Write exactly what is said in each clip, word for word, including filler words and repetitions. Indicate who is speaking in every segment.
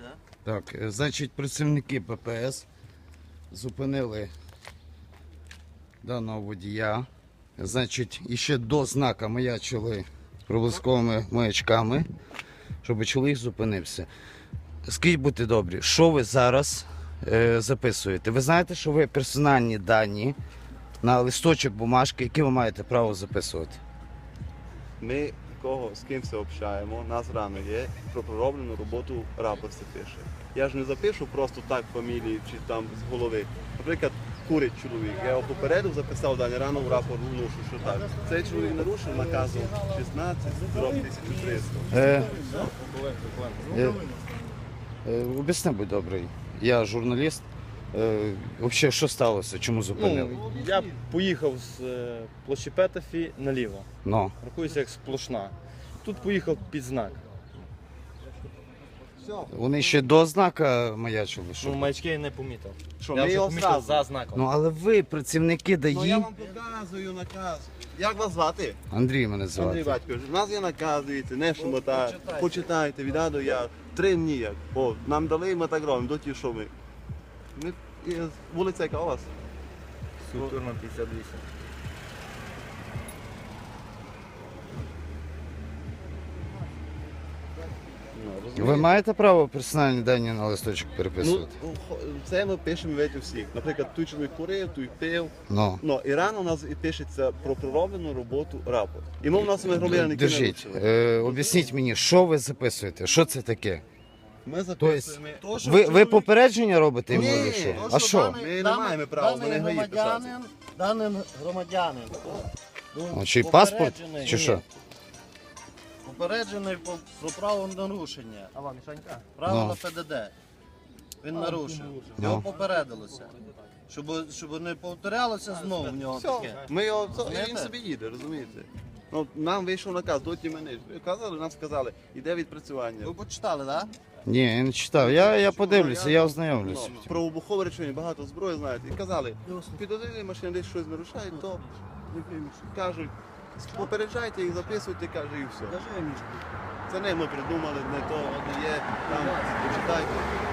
Speaker 1: Так, е, значить, працівники Пе Пе Ес зупинили даного водія. Значить, іще до знака маячили проблисковими маячками, щоб чоловік зупинився. Скажіть, будьте добрі, що ви зараз е, записуєте? Ви знаєте, що ви персональні дані на листочок бумажки, які ви маєте право записувати?
Speaker 2: Ми кого з ким все общаємо, нас рано є, про пророблену роботу рапорт це пише. Я ж не запишу просто так фамілії чи там з голови. Наприклад, курить чоловік. Я його попередив, записав дані рано в рапорт вношу, що так. Цей чоловік нарушив наказу шістнадцять тисяча триста.
Speaker 1: Е, е, е, об'ясни, будь добрий. Я журналіст. Е, взагалі, що сталося? Чому зупинили?
Speaker 3: Ну, я поїхав з е, площі Петефі наліво.
Speaker 1: Ну.
Speaker 3: Рахується як сплошна. Тут поїхав під знак.
Speaker 1: Вони ще до знака маячили, що?
Speaker 3: Ну, маячки я не помітив.
Speaker 2: Що,
Speaker 3: Я
Speaker 2: ми
Speaker 3: вже
Speaker 2: його
Speaker 3: помітив
Speaker 2: зразу?
Speaker 3: за знаком.
Speaker 1: Ну, але ви, працівники
Speaker 2: Ну я
Speaker 1: ДАІ,
Speaker 2: вам показую наказ. Як вас звати?
Speaker 1: Андрій мене
Speaker 2: Андрій
Speaker 1: звати.
Speaker 2: Батькович, у нас є наказ, дивіться, не шумота. Почитайте, від А до Я. Три дні як. О, нам дали, ми так робимо, до ті, що ми. Ми і вулиця яка у вас?
Speaker 3: Культурно п'ятдесят вісім.
Speaker 1: Ви маєте право персональні дані на листочок
Speaker 2: Ну,
Speaker 1: переписувати?
Speaker 2: хо- це ми пишемо ведь у всіх. Наприклад, той чоловік курив, той пив.
Speaker 1: Ну.
Speaker 2: Ну, і рано у нас і пишеться про пророблену роботу рапорт. І ми в нас ми громадяни, які
Speaker 1: Держіть,
Speaker 2: нарушили.
Speaker 1: е, об'ясніть мені, що ви записуєте? Що це таке?
Speaker 2: Ми записуємо.
Speaker 1: Ви, ви попередження робите йому?
Speaker 2: Ні,
Speaker 1: чи що?
Speaker 2: то,
Speaker 1: А що?
Speaker 2: Ми не маємо права,
Speaker 4: даний
Speaker 2: вони гаї
Speaker 4: громадянин, даний громадянин.
Speaker 1: А, чи паспорт?
Speaker 4: Попереджений.
Speaker 1: Чи що?
Speaker 4: Попереджений по- про право нарушення. А вам, Мішанька? Право
Speaker 1: Ну.
Speaker 4: на Пе Де Де. Він нарушив.
Speaker 1: Ну.
Speaker 4: Його попередилося. Щоб, щоб не повторялося знову в нього
Speaker 2: Все,
Speaker 4: таке.
Speaker 2: ми його, це- і він
Speaker 4: Знаєте?
Speaker 2: собі їде, розумієте? Ну, нам вийшов наказ, доті мене. Казали, нам сказали, іде відпрацювання.
Speaker 4: Ви почитали, так?
Speaker 1: Ні, я не читав. Я, я подивлюся, я ознайомлюся.
Speaker 2: Ну, про вибухове речення, багато зброї знаєте. І казали, підозрілі машини десь щось нарушають, то кажуть, попереджайте їх, записуйте, каже, і все.
Speaker 4: Скажи, Мішку.
Speaker 2: Це не ми придумали, не то, не є, там, почитайте.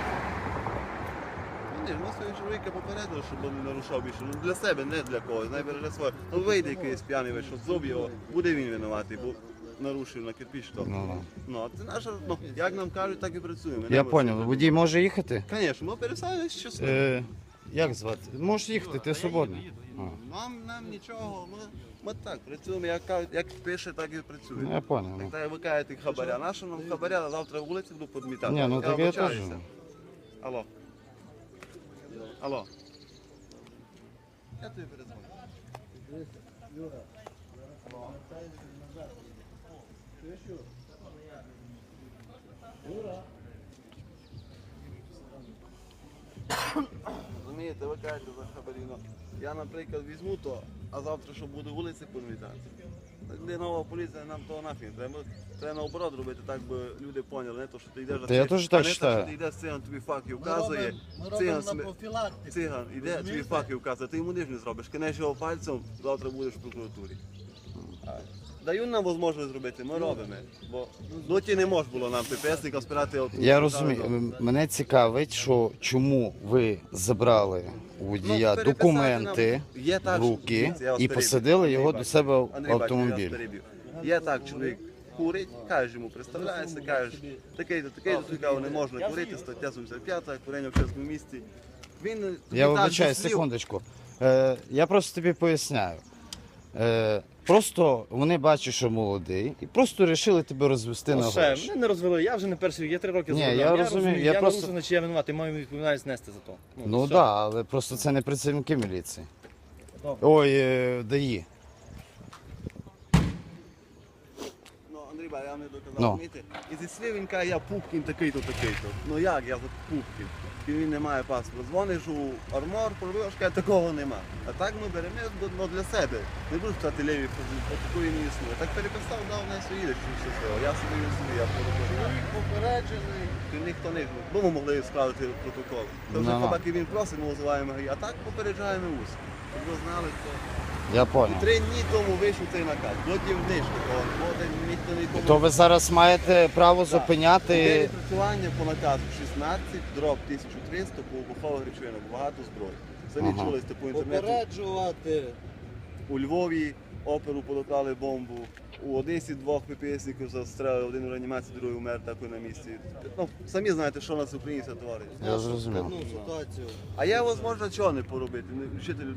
Speaker 2: Ні, ми свого чоловіка попередили, щоб він не нарушав більше. Ну, для себе, не для когось, найбереже своє. Ну вийде якийсь п'яний вийшов, зуб його, буде він винуватий, бо нарушив на кирпіч то.
Speaker 1: Ну, ну.
Speaker 2: Ну, а це наша, ну, як нам кажуть, так і працюємо.
Speaker 1: Я зрозумів. Водій може їхати?
Speaker 2: Звісно, ми пересадимо щось.
Speaker 1: Е, як звати? Можеш їхати, ти свободний. А.
Speaker 2: Нам, нам нічого, ми, ми так працюємо, як, кажуть, як пише, так і
Speaker 1: Ну,
Speaker 2: працюємо.
Speaker 1: я понял.
Speaker 2: Так,
Speaker 1: Ну.
Speaker 2: так ви кажете хабаря. Нащо нам хабаря, а завтра вулиці буду підмітати.
Speaker 1: Ні, ну так я теж.
Speaker 2: вибачаюся. Алло. Алло. Я тобі перезвоню. Розумієте, ви кажете за хабаріно. Я, наприклад, візьму то, а завтра, що буде вулиці підмітати. Для нова поліція нам того нафіг. Треба, треба наоборот робити, так би люди поняли, не то, що ти йдеш за
Speaker 1: Та я
Speaker 2: циган,
Speaker 1: теж так
Speaker 2: а не
Speaker 1: вважаю.
Speaker 2: що ти йдеш циган, тобі факти
Speaker 4: Ми
Speaker 2: вказує.
Speaker 4: робимо, ми робимо
Speaker 2: Циган,
Speaker 4: на
Speaker 2: сме-
Speaker 4: профілактику.
Speaker 2: циган іде, тобі
Speaker 4: Розумієте?
Speaker 2: факти вказує, ти йому ніж не зробиш. Кинеш його пальцем, завтра будеш в прокуратурі. Дають нам можливість зробити, ми робимо. Бо доті не можна було нам ППСника спирати. от-
Speaker 1: Я розумію. М- Мене цікавить, що чому ви забрали у водія
Speaker 2: Ну, переписати
Speaker 1: документи
Speaker 2: нам- Є так,
Speaker 1: в руки
Speaker 2: дивіться, я вас
Speaker 1: і
Speaker 2: переб'ю.
Speaker 1: посадили його
Speaker 2: Андрій
Speaker 1: до себе в
Speaker 2: Батькович, Андрій Батькович, я вас
Speaker 1: автомобіль.
Speaker 2: переб'ю. Є так, чоловік курить, кажеш йому, представляєшся, кажеш, такий-то, такий-то, той каже, не можна курити, стаття сімдесят п'ята, курення в чесному місці. Він тобі
Speaker 1: Я
Speaker 2: так
Speaker 1: вибачаю,
Speaker 2: зі слів-
Speaker 1: секундочку. Е, я просто тобі поясняю. Е, просто вони бачать, що молодий, і просто вирішили тебе розвести на
Speaker 3: Ну, все,
Speaker 1: гроші.
Speaker 3: мене не розвели, я вже не перший рік, я три роки
Speaker 1: Ні,
Speaker 3: за рулем.
Speaker 1: я розумію, я
Speaker 3: я
Speaker 1: просто-
Speaker 3: нарушив, значить я винуватий, маю відповідальність нести за то.
Speaker 1: Ну так,
Speaker 3: все.
Speaker 1: да, але просто це не працівники міліції.
Speaker 3: Добре.
Speaker 1: Ой, е, ДАІ.
Speaker 2: Ну, Андрій Ба, я вам не доказав,
Speaker 1: Ну.
Speaker 2: розумієте? І зі слів він каже, я Пупкін такий-то, такий-то. Ну як я за Пупкін? І він не має паспорта. Дзвониш у армор, пробиваш, каже, такого нема. А так ми беремо ну, для себе. Не буду стати ліві, по такої не існує. Так переписав, дав на їдеш, що все своє. Я собі не собі, я пороблю.
Speaker 4: Чоловік попереджений.
Speaker 2: Ти ніхто не бо ми могли скласти протокол. То вже
Speaker 1: Ну.
Speaker 2: хіба він просить, ми визиваємо, а так попереджаємо ус. Щоб ви знали, то
Speaker 1: Я
Speaker 2: І
Speaker 1: понял.
Speaker 2: три дні тому вийшов цей наказ. До дівнички, ніхто нікому.
Speaker 1: То ви зараз маєте право
Speaker 2: Так.
Speaker 1: зупиняти.
Speaker 2: Відпрацювання по наказу шістнадцять, дроб тисяча триста по вибухових речовинах, багато зброї. Самі
Speaker 1: Ага.
Speaker 2: чули по інтернету.
Speaker 4: Попереджувати.
Speaker 2: У Львові оперу подоклали бомбу. У Одесі двох ППСників застрелили, один у реанімації, другий умер такий на місці. Ну, самі знаєте, що у нас в Україні це творить.
Speaker 1: Я зрозумів.
Speaker 4: Одну ситуацію.
Speaker 2: А я, можна, чого не поробити? Не вчителю